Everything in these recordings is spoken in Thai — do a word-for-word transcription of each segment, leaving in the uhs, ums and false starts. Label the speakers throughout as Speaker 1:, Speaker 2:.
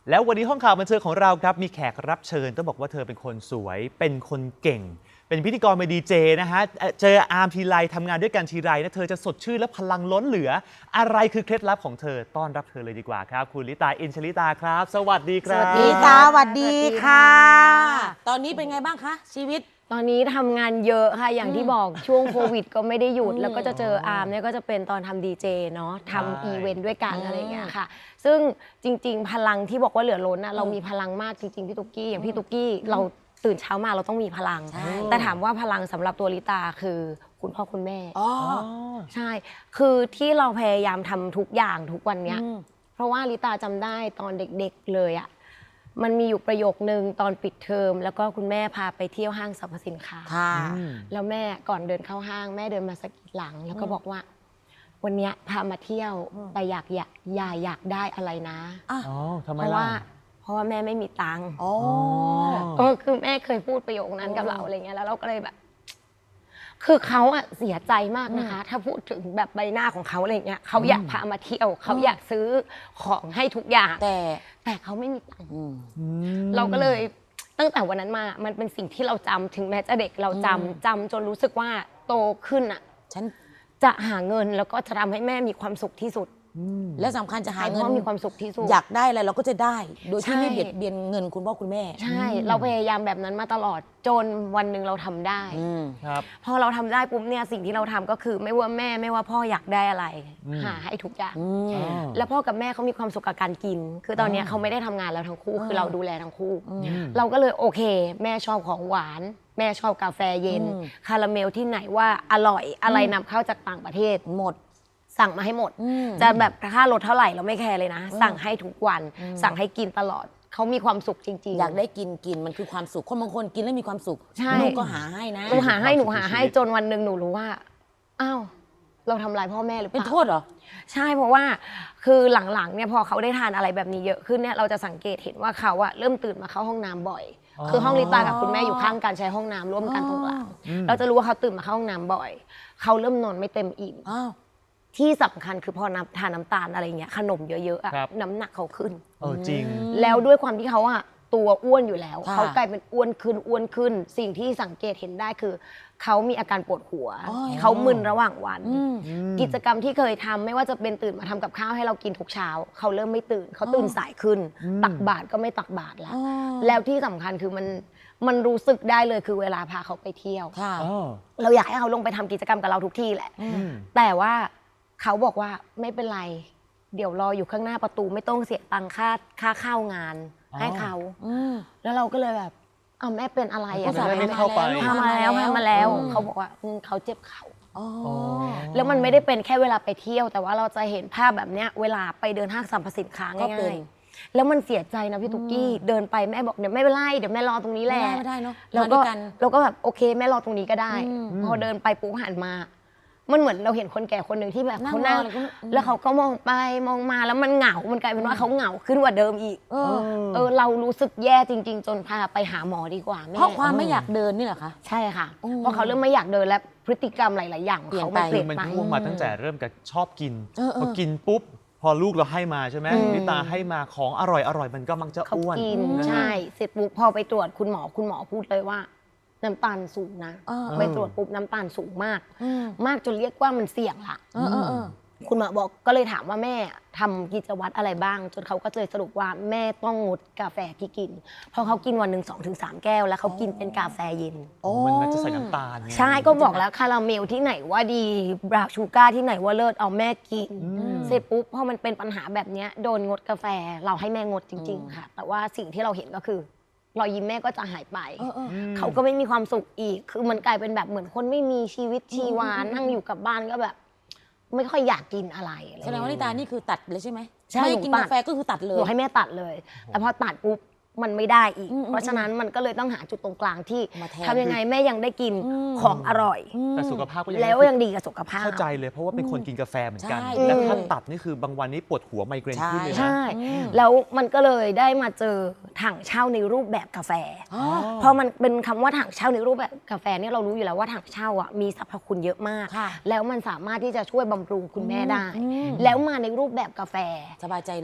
Speaker 1: แล้ววันนี้ห้องข่าวบันเทิงของเราครับมีแขกรับเชิญต้องบอกว่าเธอเป็นคนสวยเป็นคนเก่งเป็นพิธีกรเป็นดีเจนะฮะเจออาร์มทีไรทำงานด้วยกันทีไรนะเธอจะสดชื่นและพลังล้นเหลืออะไรคือเคล็ดลับของเธอต้อนรับเธอเลยดีกว่าครับคุณลิตาอินชลิตาครับสวัสดีครับ
Speaker 2: สวัสดีตาสวัสดีค่ะ ตอนนี้เป็นไงบ้างคะชีวิต
Speaker 3: ตอนนี้ทำงานเยอะค่ะอย่างที่บอกช่วงโควิดก็ไม่ได้หยุดแล้วก็จะเจออาร์มเนี่ยก็จะเป็นตอนทำดีเจเนาะทำอีเวนต์ด้วยกันอะไรอย่างเงี้ยค่ะซึ่งจริงๆพลังที่บอกว่าเหลือล้นนะเรามีพลังมากจริงๆพี่ตุ๊กกี้อย่างพี่ตุ๊กกี้เราตื่นเช้ามาเราต้องมีพลังแต่ถามว่าพลังสำหรับตัวลิตาคือคุณพ่อคุณแม่ใช่คือที่เราพยายามทำทุกอย่างทุกวันเนี้ยเพราะว่าลิตาจำได้ตอนเด็กๆเลยอะมันมีอยู่ประโยคนึงตอนปิดเทอมแล้วก็คุณแม่พาไปเที่ยวห้างสรรพสินค้าแล้วแม่ก่อนเดินเข้าห้างแม่เดินมาสะกิดหลังแล้วก็บอกว่าวันนี้พามาเที่ยวแต่อยากอยากอย่าอยากได้อะไรนะเพราะว่าเพราะว่าแม่ไม่มีตังค์อ๋อคือแม่เคยพูดประโยคนั้นกับเราอะไรเงี้ยแล้วเราก็เลยแบบคือเขาอะเสียใจมากนะคะถ้าพูดถึงแบบใบหน้าของเขาอะไรเงี้ยเขาอยากพามาเที่ยวเขาอยากซื้อของให้ทุกอย่างแต่แต่เขาไม่มีตังค์เราก็เลยตั้งแต่วันนั้นมามันเป็นสิ่งที่เราจำถึงแม้จะเด็กเราจำจำจนรู้สึกว่าโตขึ้นอะฉันจะหาเงินแล้วก็จะทำให้แม่มีความสุขที่สุด
Speaker 2: และสำคัญจะหาเงิน
Speaker 3: มีความสุขที่สุด
Speaker 2: อยากได้อะไรเราก็จะได้โดยที่ไม่เบียดเบียนเงินคุณพ่อคุณแม่
Speaker 3: ใช่เราพยายามแบบนั้นมาตลอดจนวันหนึ่งเราทำได้พอเราทำได้ปุ๊บเนี่ยสิ่งที่เราทำก็คือไม่ว่าแม่ไม่ว่าพ่ออยากได้อะไรหาให้ทุกอย่างแล้วพ่อกับแม่เขามีความสุขกับการกินคือตอนนี้เขาไม่ได้ทำงานแล้วทั้งคู่คือเราดูแลทั้งคู่เราก็เลยโอเคแม่ชอบของหวานแม่ชอบกาแฟเย็นคาราเมลที่ไหนว่าอร่อยอะไรนำเข้าจากต่างประเทศหมดสั่งมาให้หมดจะแบบค่ารถเท่าไหร่เราไม่แคร์เลยนะสั่งให้ทุกวันสั่งให้กินตลอดเขามีความสุขจริงๆ
Speaker 2: อยากได้กินกินมันคือความสุขคนบางคนกินแล้วมีความสุขหนูก็หาให้นะ
Speaker 3: หนูหาให้หนูหาให้จนวันหนึ่งหนูรู้ว่าอ้าวเราทำลายพ่อแม่หรือเปล่า
Speaker 2: เป็นโทษเหรอ
Speaker 3: ใช่เพราะว่าคือหลังๆเนี่ยพอเขาได้ทานอะไรแบบนี้เยอะขึ้นเนี่ยเราจะสังเกตเห็นว่าเขาอะเริ่มตื่นมาเข้าห้องน้ำบ่อยคือห้องลิตากับคุณแม่อยู่ข้างกันใช้ห้องน้ำร่วมกันตรงกลางเราจะรู้ว่าเขาตื่นมาเข้าห้องน้ำบ่อยเขาเริ่มนอนไม่เต็มอิ่มที่สำคัญคือพอน้ำทานน้ำตาลอะไรเงี้ยขนมเยอะๆอะน้ำหนักเขาขึ้น
Speaker 1: เออจริง
Speaker 3: แล้วด้วยความที่เขาอะตัวอ้วนอยู่แล้วเขากลายเป็นอ้วนขึ้นอ้วนขึ้นสิ่งที่สังเกตเห็นได้คือเขามีอาการปวดหัวเขามึนระหว่างวันกิจกรรมที่เคยทำไม่ว่าจะเป็นตื่นมาทำกับข้าวให้เรากินทุกเช้าเขาเริ่มไม่ตื่นเขาตื่นสายขึ้นตักบาตรก็ไม่ตักบาตรแล้วแล้วที่สำคัญคือมันมันรู้สึกได้เลยคือเวลาพาเขาไปเที่ยวเราอยากให้เขาลงไปทำกิจกรรมกับเราทุกที่แหละแต่ว่าเขาบอกว่าไม่เป็นไรเดี๋ยวรออยู่ข้างหน้าประตูไม่ต้องเสียตังค่าค่าเข้างานให้เขาแล้วเราก็เลยแบบอ้าวแม่เป็นอะไรอ่ะ
Speaker 1: ไม่เข้าไป
Speaker 3: พามาแล้วพามาแล้วเขาบอกว่าเขาเจ็บเข่าแล้วมันไม่ได้เป็นแค่เวลาไปเที่ยวแต่ว่าเราจะเห็นภาพแบบเนี้ยเวลาไปเดินห้างสรรพสินค้าง่ายๆแล้วมันเสียใจนะพี่ตุ๊กกี้เดินไปแม่บอกเดี๋ยวไม่เป็นไรเดี๋ยวแม่รอตรงนี้แหละ
Speaker 2: ไม่ได้เนาะ
Speaker 3: แล้วก็เราก็แบบโอเคแม่รอตรงนี้ก็ได้พอเดินไปปุ๊บหันมามันเหมือนเราเห็นคนแก่คนหนึ่งที่แบบเขานั่งแล้วเขาก็มองไปมองมาแล้วมันเหงามันกลายเป็นว่าเขาเหงาขึ้นกว่าเดิมอีกเออเรารู้สึกแย่จริงๆจนพาไปหาหมอดีกว่าแม่
Speaker 2: เพราะความไม่อยากเดินนี่เหรอคะ
Speaker 3: ใช่ค่ะเพราะเขาเริ่มไม่อยากเดินแล้วพฤติกรรมหลายๆอย่างเขาเปลี่ยน
Speaker 1: ไปมันพ่วงมาตั้งแต่เริ่มกับชอบกินพอกินปุ๊บพอลูกเราให้มาใช่ไหมนิตาให้มาของอร่อยอร่อยมันก็มักจะอ้วน
Speaker 3: กินใช่เสร็จปุ๊บพอไปตรวจคุณหมอคุณหมอพูดเลยว่าน้ำตาลสูงนะไปตรวจปุ๊บน้ำตาลสูงมากมากจนเรียกว่ามันเสี่ยงละคุณหมอบอกก็เลยถามว่าแม่ทำกิจวัตรอะไรบ้างจนเขาก็เลยสรุปว่าแม่ต้องงดกาแฟที่กินเพราะเขากินวันหนึ่งสองถึงสามแก้วแล้วเขากินเป็นกาแฟเย็น
Speaker 1: มันจะใส่น้ำตาล
Speaker 3: ใช่ก็บอกแล้วคาราเมลที่ไหนว่าดีบราวน์ชูการ์ที่ไหนว่าเลิศเอาแม่กินเสร็จปุ๊บพอมันเป็นปัญหาแบบนี้โดนงดกาแฟเราให้แม่งดจริงๆค่ะแต่ว่าสิ่งที่เราเห็นก็คือรอยยิ้มแม่ก็จะหายไปเขาก็ไม่มีความสุขอีกคือมันกลายเป็นแบบเหมือนคนไม่มีชีวิตชีวานั่งอยู่กับบ้านก็แบบไม่ค่อยอยากกินอะไร
Speaker 2: แสดงว่านิตานี่คือตัดเลยใช่ไหมไม่กินกาแฟก็คือตัดเลย
Speaker 3: หนูให้แม่ตัดเลยแต่พอตัดปุ๊บมันไม่ได้อีกเพราะฉะนั้นมันก็เลยต้องหาจุดตรงกลางที่ทำยังไงแม่ยังได้กินของอร่อย
Speaker 1: แต่สุขภาพก็ยัง
Speaker 3: แล้วยังดีกับสุขภาพ
Speaker 1: เข้าใจเลยเพราะว่าเป็นคนกินกาแฟเหมือนกันแล้วถ้าตัดนี่คือบางวันนี้ปวดหัวไมเกรนขึ้นเลยนะ
Speaker 3: ใช่แล้วมันก็เลยได้มาเจอถังเช่าในรูปแบบกาแฟพอมันเป็นคำว่าถังเช่าในรูปแบบกาแฟเนี่ยเรารู้อยู่แล้วว่าถังเช่าอ่ะมีสรรพคุณเยอะมากแล้วมันสามารถที่จะช่วยบำรุงคุณแม่ได้แล้วมาในรูปแบบกาแฟ
Speaker 2: สบายใจเลย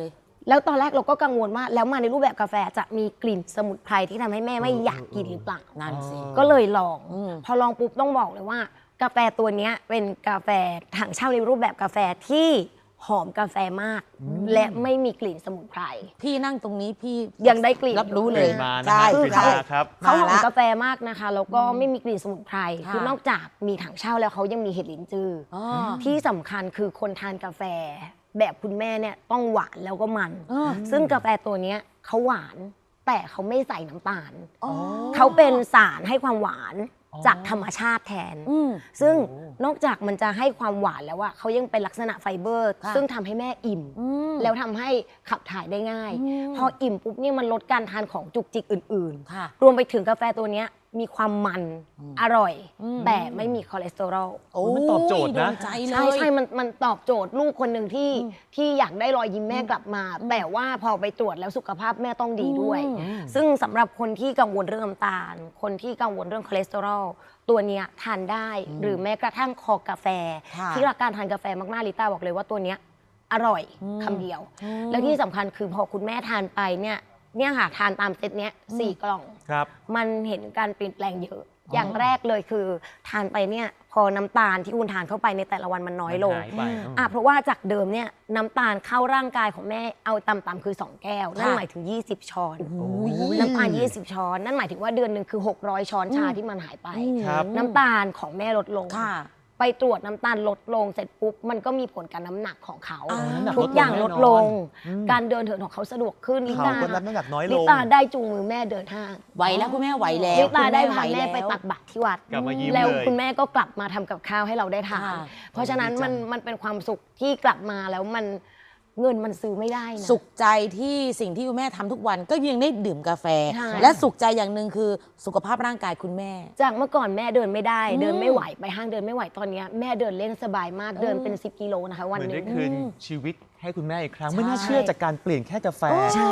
Speaker 3: แล้วตอนแรกเราก็กังวลว่าแล้วมาในรูปแบบกาแฟจะมีกลิ่นสมุนไพรที่ทำให้แม่ไม่อยากกินหรือเปล่า
Speaker 2: นั่นสิ
Speaker 3: ก็เลยลอง
Speaker 2: อืม
Speaker 3: พอลองปุ๊บต้องบอกเลยว่า กาแฟตัวเนี้ยเป็นกาแฟถังเช่าในรูปแบบกาแฟที่หอมกาแฟมาก และไม่มีกลิ่นสมุนไพร
Speaker 2: พี่นั่งตรงนี้พี่
Speaker 3: ยังได้กลิ่น
Speaker 2: รับรู้เลย
Speaker 1: กลิ่นมานะ
Speaker 2: ใช่
Speaker 1: ฮะ
Speaker 3: คือก
Speaker 1: ลิ่น
Speaker 3: เขา
Speaker 1: มาครับ
Speaker 3: เขาหอ
Speaker 2: มาม ละ
Speaker 3: กาแฟมากนะคะ แล้วก็ไม่มีกลิ่นสมุนไพร
Speaker 2: ค่ะ
Speaker 3: คือนอกจากมีถังเช่าแล้วเขายังมีเห็ดลิ้นจืออ
Speaker 2: อ๋อ
Speaker 3: ที่สำคัญคือคนทานกาแฟ แบบคุณแม่เนี่ยต้องหวานแล้วก็มัน
Speaker 2: อ๋อ
Speaker 3: ซึ่งกาแฟตัวเนี้ยเขาหวานแต่เขาไม่ใส่น้ำตาล
Speaker 2: อ๋อ
Speaker 3: เขาเป็นสารให้ความหวาน
Speaker 1: อ๋อ
Speaker 3: จากธรรมชาติแทน
Speaker 2: อืม
Speaker 3: ซึ่ง
Speaker 1: โอ้
Speaker 3: นอกจากมันจะให้ความหวานแล้วว่าเขายังเป็นลักษณะไฟเบอร์
Speaker 2: ค่ะ
Speaker 3: ซึ่งทำให้แม่อิ่ม
Speaker 2: อืม
Speaker 3: แล้วทำให้ขับถ่ายได้ง่าย
Speaker 2: อืม
Speaker 3: พออิ่มปุ๊บเนี่ยมันลดการทานของจุกจิกอื่น
Speaker 2: ค่ะ
Speaker 3: ๆ รวมไปถึงกาแฟตัวเนี้ยมีความมันอร่อย
Speaker 2: อืม
Speaker 3: แต่ไม่มีคอเลสเตอรอล
Speaker 2: โอ้
Speaker 1: มันตอบโจทย์นะ
Speaker 2: โดใจเลย
Speaker 3: ใช่ใช่มันมันตอบโจทย์ลูกคนหนึ่งที่ที่อยากได้รอยยิ้มแม่กลับมา แต่ว่าพอไปตรวจแล้วสุขภาพแม่ต้องดีด้วย
Speaker 2: อืม
Speaker 3: ซึ่งสำหรับคนที่กังวลเรื่องน้ำตาล คนที่กังวลเรื่องคอเลสเตอรอลตัวเนี้ยทานได้ หรือแม้กระทั่งคอกาแฟ
Speaker 2: ค่ะ
Speaker 3: ที่รักการทานกาแฟมากๆลิต้าบอกเลยว่าตัวเนี้ยอร่อยคำเดียว
Speaker 2: อืม
Speaker 3: แล้วที่สำคัญคือพอคุณแม่ทานไปเนี่ยเนี่ยค่ะทานตามเซตเนี้ยสี่กล่อง
Speaker 1: ครับ
Speaker 3: มันเห็นการเปลี่ยนแปลงเยอะ อย่างแรกเลยคือทานไปเนี่ยพอน้ำตาลที่คุณทานเข้าไปในแต่ละวันมันน้อยลง
Speaker 1: มันหายไปอืม
Speaker 3: อ่ะเพราะว่าจากเดิมเนี่ยน้ำตาลเข้าร่างกายของแม่เอาต่ำๆคือ สอง แก้ว นั่น
Speaker 2: ค่ะ
Speaker 3: หมายถึง ยี่สิบ ช้อน
Speaker 2: โอ้ย
Speaker 3: น้ำตาล ยี่สิบ ช้อน นั่นหมายถึงว่าเดือนหนึ่งคือ หกร้อย ช้อนชา
Speaker 2: อืม
Speaker 3: ที่มันหายไป
Speaker 1: ครับ
Speaker 3: น้ำตาลของแม่ลดลง
Speaker 2: ค่ะ
Speaker 3: ไปตรวจน้ำตาลลดลงเสร็จปุ๊บมันก็มีผลกับน้ำหนักของเขา
Speaker 2: อ่า
Speaker 1: น้ำหนัก
Speaker 3: ทุกอย่างลดลง
Speaker 1: อืม
Speaker 3: การเดินเหินของเขาสะดวกขึ้นลิ
Speaker 1: เขา
Speaker 3: ตา
Speaker 1: ก็รับน้ำหนักน้อยล
Speaker 3: ลิ
Speaker 1: ง
Speaker 3: ตาได้จูงมือแม่เดินห้าง
Speaker 2: ไหวแล้วคุณแม่ไหวแล้ว
Speaker 3: ลิตาได้
Speaker 2: คุณ
Speaker 3: พาแม่
Speaker 2: หว
Speaker 3: ไป
Speaker 2: ล้ว
Speaker 3: ตักบาตรที่วัด
Speaker 1: กลับมายิ้ม
Speaker 3: แล้ว
Speaker 1: เลย
Speaker 3: คุณแม่ก็กลับมาทำกับข้าวให้เราได้ทาน
Speaker 2: ค่ะ
Speaker 3: เพราะฉะนั้นมันมันเป็นความสุขที่กลับมาแล้วมันเงินมันซื้อไม่ได้นะ
Speaker 2: สุขใจที่สิ่งที่คุณแม่ทำทุกวันก็ยังได้ดื่มกาแฟ
Speaker 3: ใช่
Speaker 2: และสุขใจอย่างหนึ่งคือสุขภาพร่างกายคุณแม่
Speaker 3: จากเมื่อก่อนแม่เดินไม่ได้
Speaker 2: อืม
Speaker 3: เดินไม่ไหวไปห้างเดินไม่ไหวตอนเนี้ยแม่เดินเล่นสบายมากเดินเป็น สิบ กิโลนะคะวัน
Speaker 1: เหมือน
Speaker 3: หนึ
Speaker 1: ได้
Speaker 3: ง
Speaker 1: คืนชีวิตให้คุณแม่อีกครั้ง
Speaker 2: ใช่
Speaker 1: ไม่น่าเชื่อจากการเปลี่ยนแค่กาแฟ